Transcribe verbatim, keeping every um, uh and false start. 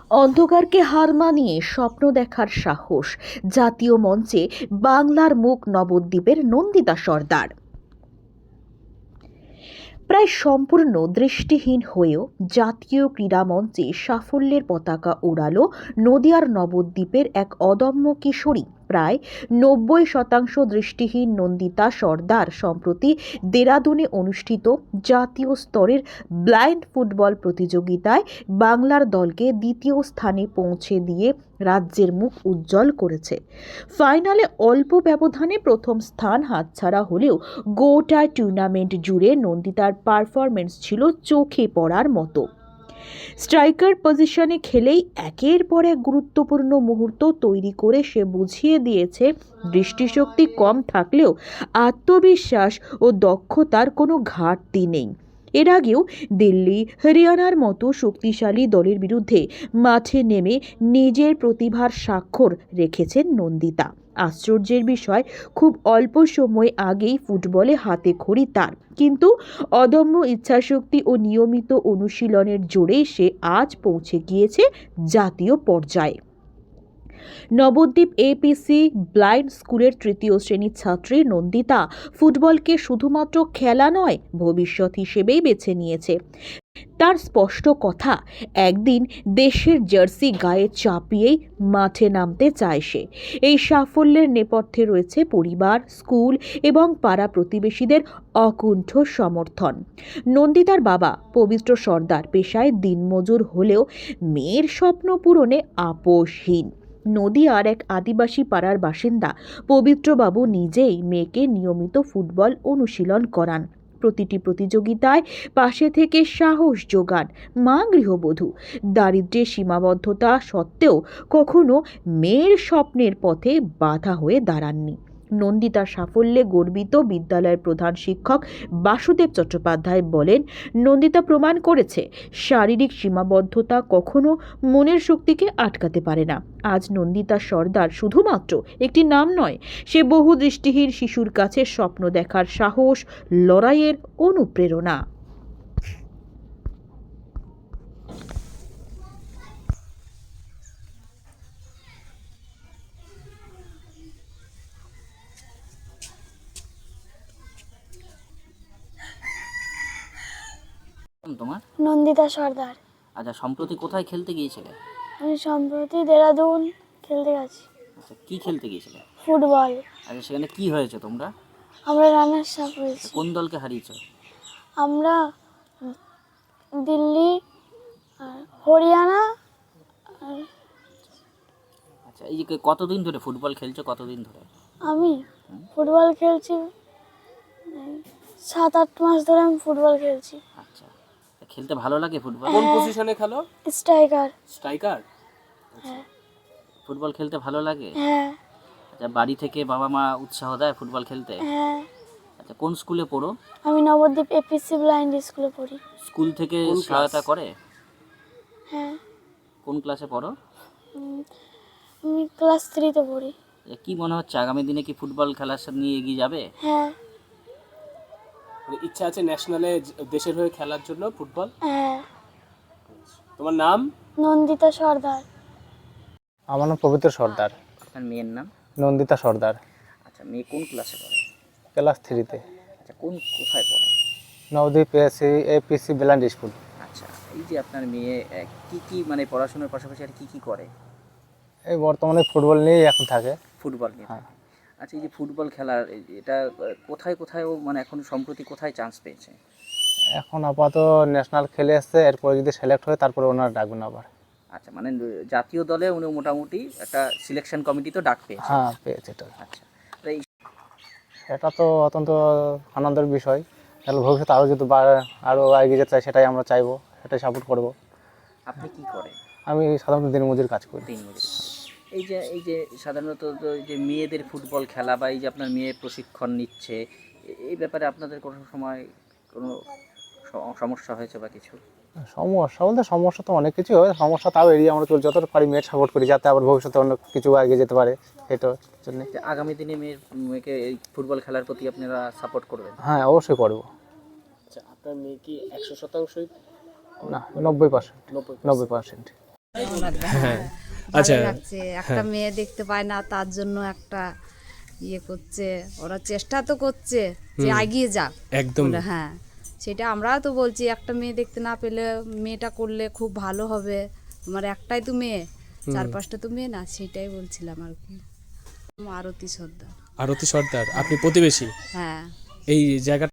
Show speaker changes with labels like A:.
A: অন্ধকারকে হার মানিয়ে স্বপ্ন দেখার সাহস, জাতীয় মঞ্চে বাংলার মুখ নবদ্বীপের নন্দিতা সর্দার। প্রায় সম্পূর্ণ দৃষ্টিহীন হয়েও জাতীয় ক্রীড়া মঞ্চে সাফল্যের পতাকা ওড়ালো নদিয়ার নবদ্বীপের এক অদম্য কিশোরী। প্রায় নব্বই শতাংশ দৃষ্টিহীন নন্দিতা সর্দার সম্প্রতি দেরাদুনে অনুষ্ঠিত জাতীয় স্তরের ব্লাইন্ড ফুটবল প্রতিযোগিতায় বাংলার দলকে দ্বিতীয় স্থানে পৌঁছে দিয়ে রাজ্যের মুখ উজ্জ্বল করেছে। ফাইনালে অল্প ব্যবধানে প্রথম স্থান হাতছাড়া হলেও গোটা টুর্নামেন্ট জুড়ে নন্দিতার পারফরমেন্স ছিল চোখে পড়ার মতো। স্ট্রাইকার পজিশনে খেলেই একের পর এক গুরুত্বপূর্ণ মুহূর্ত তৈরি করে সে বুঝিয়ে দিয়েছে দৃষ্টিশক্তি কম থাকলেও আত্মবিশ্বাস ও দক্ষতার কোনো ঘাটতি নেই। এর আগেও দিল্লি, হরিয়ানার মতো শক্তিশালী দলের বিরুদ্ধে মাঠে নেমে নিজের প্রতিভার স্বাক্ষর রেখেছেন নন্দিতা। আশ্চর্যের বিষয়, খুব অল্প সময় আগেই ফুটবলে হাতে খড়ি তার, কিন্তু অদম্য ইচ্ছাশক্তি ও নিয়মিত অনুশীলনের জোরে সে আজ পৌঁছে গিয়েছে জাতীয় পর্যায়ে। নবদ্বীপ এপিসি ব্লাইন্ড স্কুলের তৃতীয় শ্রেণীর ছাত্রী নন্দিতা ফুটবলকে শুধুমাত্র খেলা নয়, ভবিষ্যৎ হিসেবেই বেছে নিয়েছে। তার স্পষ্ট কথা, একদিন দেশের জার্সি গায়ে চাপিয়েই মাঠে নামতে চায় সে। এই সাফল্যের নেপথ্যে রয়েছে পরিবার, স্কুল এবং পাড়া প্রতিবেশীদের অকুণ্ঠ সমর্থন। নন্দিতার বাবা পবিত্র সর্দার পেশায় দিনমজুর হলেও মেয়ের স্বপ্ন পূরণে আপোষহীন। নদিয়ার এক আদিবাসী পাড়ার বাসিন্দা পবিত্রবাবু নিজেই মেয়েকে নিয়মিত ফুটবল অনুশীলন করান। প্রতিটি প্রতিযোগিতায় পাশে থেকে সাহস যোগান। মা গৃহবধূ, দারিদ্র্যের সীমাবদ্ধতা সত্ত্বেও কখনো মেয়ের স্বপ্নের পথে বাধা হয়ে দাঁড়াননি। নন্দিতার সাফল্যে গর্বিত বিদ্যালয়ের প্রধান শিক্ষক বাসুদেব চট্টোপাধ্যায় বলেন, নন্দিতা প্রমাণ করেছে শারীরিক সীমাবদ্ধতা কখনো মনের শক্তিকে আটকাতে পারে না। আজ নন্দিতা সর্দার শুধুমাত্র একটি নাম নয়, সে বহু দৃষ্টিহীন শিশুর কাছে স্বপ্ন দেখার সাহস, লড়াইয়ের অনুপ্রেরণা।
B: তোমার
C: নন্দিতা সর্দার।
B: আচ্ছা, সম্প্রতি কোথায় খেলতে গিয়েছিলে?
C: আমি সম্প্রতি দেরাদুন খেলতে গেছি।
B: আচ্ছা, কি খেলতে গিয়েছিলে?
C: ফুটবল।
B: আচ্ছা, সেখানে কি হয়েছে তোমরা?
C: আমরা রানার্স আপ হয়েছি।
B: কোন দলকে হারিয়েছো?
C: আমরা দিল্লি আর হরিয়ানা আর
B: আচ্ছা, এই যে কতদিন ধরে ফুটবল খেলছো? কতদিন ধরে?
C: আমি ফুটবল খেলছি এই সাত আট মাস ধরে আমি ফুটবল খেলছি।
B: আচ্ছা, তা খেলতে ভালো লাগে ফুটবল?
D: কোন পজিশনে খেলো?
C: স্ট্রাইকার।
D: স্ট্রাইকার।
C: হ্যাঁ
B: ফুটবল খেলতে ভালো লাগে?
C: হ্যাঁ
B: আচ্ছা, বাড়ি থেকে বাবা মা উৎসাহ দেয় ফুটবল খেলতে?
C: হ্যাঁ।
B: আচ্ছা, কোন স্কুলে পড়ো?
C: আমি নবদ্বীপ এপিসি ব্লাইন্ড স্কুলে পড়ি।
B: স্কুল থেকে
D: কোন
B: সহায়তা
D: ক্লাস?
B: করে?
C: হ্যাঁ,
B: কোন ক্লাসে পড়ো?
C: উম, আমি ক্লাস থ্রিতে পড়ি।
B: আচ্ছা, কি মনে হচ্ছে আগামী দিনে কি ফুটবল খেলার সাথে নিয়ে এগিয়ে যাবে?
C: হ্যাঁ
D: মানে ইচ্ছা আছে ন্যাশনালে দেশের হয়ে খেলার জন্য ফুটবল?
C: হ্যাঁ।
D: তোমার নাম?
C: নন্দিতা সর্দার।
E: আমার নাম পবিত্র সর্দার।
B: আপনার মেয়ের নাম?
E: নন্দিতা সর্দার।
B: আচ্ছা, মেয়ে কোন ক্লাসে পড়ে?
E: ক্লাস থ্রিতে।
B: আচ্ছা, কোন কোথায় পড়ে?
E: নবদ্বীপ এসি এপিসি বেলান্ড স্কুল।
B: আচ্ছা, এই যে আপনার মেয়ে আহ, কি কি মানে পড়াশোনার পাশাপাশি আর কি কি করে?
E: এই বর্তমানে ফুটবল নিয়েই এখন থাকে।
B: ফুটবল নিয়ে
E: হ্যাঁ।
B: থাকে। আচ্ছা, এই যে ফুটবল খেলার এই যে এটা আহ, কোথায় কোথায় ও মানে এখন সম্প্রতি কোথায় চান্স পেয়েছে?
E: এখন আপাতত ন্যাশনাল খেলে এসছে, এরপরে যদি সিলেক্ট হয় তারপরে ওনারা ডাকবেন আবার।
B: আচ্ছা, মানে জাতীয় দলে উনি মোটামুটি একটা সিলেকশন কমিটি তো ডাক পেয়েছে।
E: হ্যাঁ, পেয়েছে এটা।
B: আচ্ছা, তো এই
E: এটা তো অত্যন্ত আনন্দের বিষয়। তাহলে ভবিষ্যতে আরও যদি বা- আরও এগিয়ে যেতে চাই, সেটাই আমরা চাইবো, সেটাই সাপোর্ট করব।
B: আপনি কি করেন?
E: আমি সাধারণত দিনমজুর কাজ করি।
B: দিনমজুরি করেন। এই যে এই যে সাধারণত তো এই যে মেয়েদের ফুটবল খেলা বা এই যে আপনার মেয়ে প্রশিক্ষণ নিচ্ছে, এ- এই ব্যাপারে আপনাদের কোনো সময় কোনো স- সমস্যা হয়েছে বা কিছু?
E: সমস্যা বলতে সমস্যা তো অনেক কিছু হয়, সমস্যা তাও এড়িয়ে আমরা চল যতটা পারি মেয়ের সাপোর্ট করি, যাতে আবার ভবিষ্যতে অন্য কিছু এগিয়ে যেতে পারে, এটার জন্য।
B: যে আগামী দিনে মেয়ের মেয়েকে এই ফুটবল খেলার প্রতি আপনারা সাপোর্ট করবেন?
E: হ্যাঁ, অবশ্যই করবো।
D: আচ্ছা, আপনার মেয়ে কি একশো শতাংশই?
E: না, নব্বই পার্সেন্ট।
D: নব্বই
E: নব্বই পার্সেন্ট।
F: ভালো লাগবে,
G: হ্যাঁ
F: হ্যাঁ
G: আচ্ছা
F: ভালো লাগছে। একটা মেয়ে দেখতে পায় না, তার জন্য একটা ইয়ে করছে, ওরা চেষ্টা তো করছে যে এগিয়ে যাক
G: একদম
F: বলে, হ্যাঁ সেটা আমরাও তো বলছি একটা মেয়ে দেখতে না পেলে মেয়েটা করলে খুব ভালো হবে, তোমার একটাই তো মেয়ে, চার পাঁচটা তো মেয়ে না, সেটাই বলছিলাম আর কি। আরতি সর্দার।
G: আরতি সর্দার, আপনি প্রতিবেশী
F: হ্যাঁ
G: এই জায়গা